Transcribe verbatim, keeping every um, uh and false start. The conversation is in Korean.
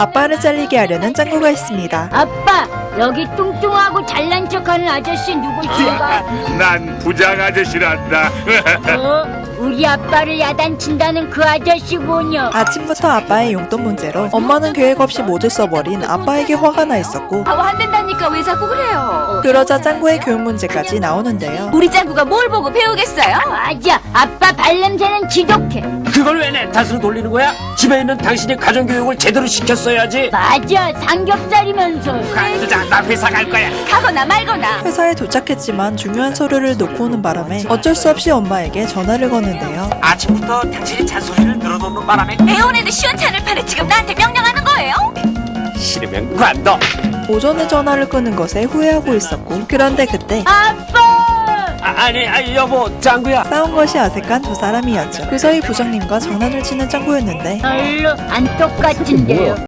아빠를 잘리게 하려는 짱구가 있습니다. 아빠, 여기 뚱뚱하고 잘난 척하는 아저씨 누구신가? 난 부장 아저씨란다. 어? 우리 아빠를 야단친다는 그 아저씨군요. 아침부터 아빠의 용돈 문제로 엄마는 계획 없이 모두 써버린 아빠에게 화가 나 있었고, 하고 안 된다니까 왜 자꾸 그래요? 그러자 짱구의 교육 문제까지 나오는데요. 우리 짱구가 뭘 보고 배우겠어요? 맞아, 아빠 발냄새는 지독해. 그걸 왜 내 탓으로 돌리는 거야? 집에 있는 당신이 가정교육을 제대로 시켰어야지. 맞아, 삼겹살이면서. 관두자, 나 회사 갈 거야. 가거나 말거나. 회사에 도착했지만 중요한 서류를 놓고 오는 바람에 어쩔 수 없이 엄마에게 전화를 거는데요. 아침부터 당신이 잔소리를 늘어놓는 바람에 애원에도 시원찮을 판에 지금 나한테 명령하는 거예요? 싫으면 관둬. 오전에 전화를 끄는 것에 후회하고 있었고, 그런데 그때 아빠! 아, 아니, 아니 여보, 짱구야. 싸운 것이 어색한 두 사람이었죠. 그 사이 부장님과 장난을 치는 짱구였는데 별로 안 똑같은데요.